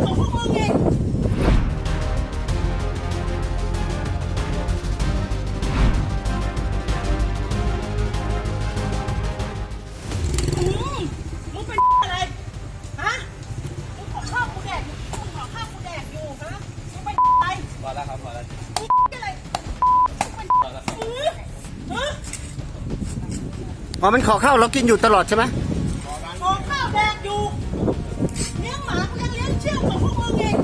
ของพวกมึงเองมึงเป็นอะไรฮะมึงขอข้าวกูแดกมึงขอข้าวกูแดกอยู่ฮะมึงเป็นอะไรพอแล้วครับพอแล้วมึงอะไรมึงเป็นฮะอ๋อมันขอข้าวเรากินอยู่ตลอดใช่ไหมขอข้าวแดกอยู่เลี้ยงหมากูยังเลี้ยงเชี่ยวของพวกมึงเอง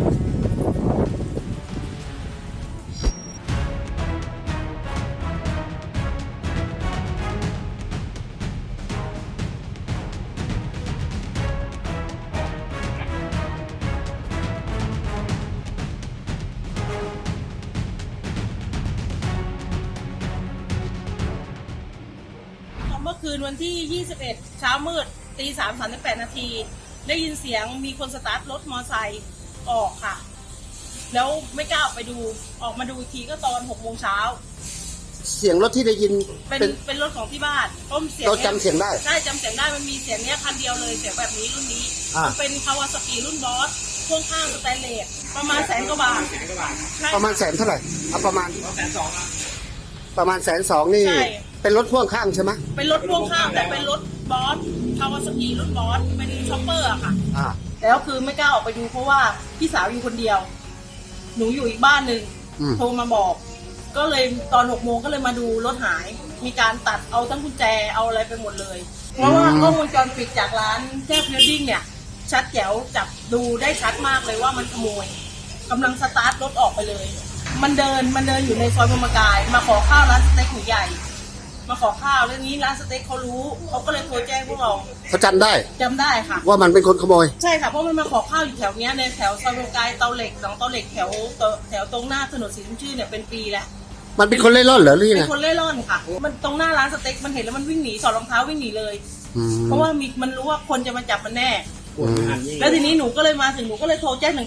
เมื่อคืนวันที่ 21 เช้ามืด 3:38 นาที ได้ยินเสียงมีคนสตาร์ทรถมอไซค์ออกค่ะ แล้วไม่กล้าออกไปดู ออกมาดูอีกทีก็ตอน 6 โมงเช้าเสียงรถที่ได้ยินเป็นรถของที่บ้านเพราะเสียงเราจำเสียงได้ใช่จำเสียงได้มันมีเสียงเนี้ยคันเดียวเลยเสียงแบบนี้รุ่นนี้มันเป็นคาวาซากิรุ่นบอสพ่วงข้างสแตนเลสประมาณ100,000 กว่าบาทประมาณแสนเท่าไหร่เอาประมาณประมาณ120,000นี่เป็นรถพ่วงข้างใช่ไหมเป็นรถพ่วงข้างแต่เป็นรถบอสคาวาซากิรุ่นบอสเป็นช็อปเปอร์อะค่ะแล้วคือไม่กล้าออกไปดูเพราะว่าพี่สาวอยู่คนเดียวหนูอยู่อีกบ้านหนึ่งโทรมาบอกก็เลยตอน 6 โมงก็เลยมาดูรถหายมีการตัดเอาทั้งกุญแจเอาอะไรไปหมดเลยเพราะว่ากล้องวงจรปิดจากร้านแจ๊บเวลดิ้งเนี่ยชัดแจ๋วจับดูได้ชัดมากเลยว่ามันขโมยกำลังสตาร์ทรถออกไปเลยมันเดินอยู่ในซอยพรหมกายมาขอข้าวร้านสเต็กหมูใหญ่มาขอข้าวเรื่องนี้ร้านสเต็กเขารู้เขาก็เลยโทรแจ้งพวกเราเขาจำได้ค่ะว่ามันเป็นคนขโมยใช่ค่ะเพราะมันมาขอข้าวอยู่แถวเนี้ยในแถวซอยพรหมกายเตาเหล็กหลังเตาเหล็กแถวตรงหน้าถนนศรีชุ่มชื่นเนี่ยเป็นปีแล้วมันเป็นคนเล่ร่อนเหรอหรือยังไงเป็นคนเล่ร่อนค่ะมันตรงหน้าร้านสเต็กมันเห็นแล้วมันวิ่งหนีถอดรองเท้าวิ่งหนีเลยเพราะว่ามันรู้ว่าคนจะมาจับมันแน่แล้วทีนี้หนูก็เลยมาถึงหนูก็เลยโทรแจ้ง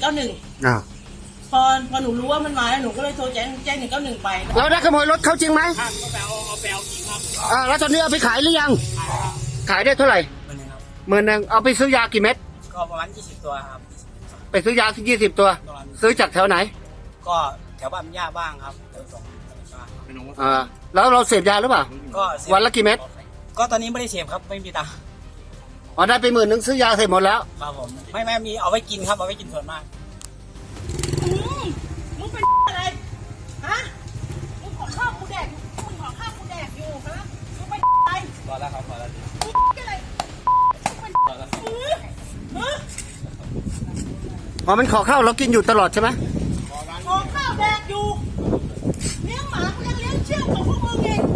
191พอหนูรู้ว่ามันมาแล้วหนูก็เลยโทรแจ้ง191ไปเราได้ขโมยรถเขาจริงไหมก็เอาไปเอาจริงครับแล้วตอนนี้เอาไปขายหรือยังขายได้เท่าไหร่10,000เอาไปซื้อยากี่เม็ดก็ประมาณ20 ตัวครับไปซื้อยา20 ตัวซื้อจากแถวไหนก็แถวบ้านย่าบ้างครับแถวสองแล้วเราเสพยาหรือเปล่าก็วันละกี่เม็ดก็ตอนนี้ไม่ได้เสพครับไม่มีตังค์ได้ไป10,000ซื้อยาเสพหมดแล้วครับผมไม่มีเอาไว้กินครับเอาไว้กินส่วนมากมึงเป็นอะไรฮะมึงขอข้าวกูแดกมึงขอข้าวกูแดกอยู่ฮะมึงเป็นอะไรพอแล้วครับพอแล้วมึงอะไรมึงเป็นอ๋อมันขอข้าวเรากินอยู่ตลอดใช่ไหมขอข้าวแดกอยู่เลี้ยงหมากูยังเลี้ยงเชี่ยวของพวกมึงเอง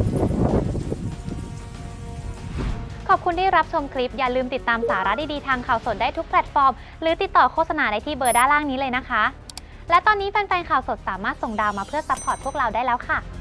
ขอบคุณที่รับชมคลิปอย่าลืมติดตามสาระดีๆทางข่าวสดได้ทุกแพลตฟอร์มหรือติดต่อโฆษณาได้ที่เบอร์ด้านล่างนี้เลยนะคะและตอนนี้แฟนๆข่าวสดสามารถส่งดาวมาเพื่อซัพพอร์ตพวกเราได้แล้วค่ะ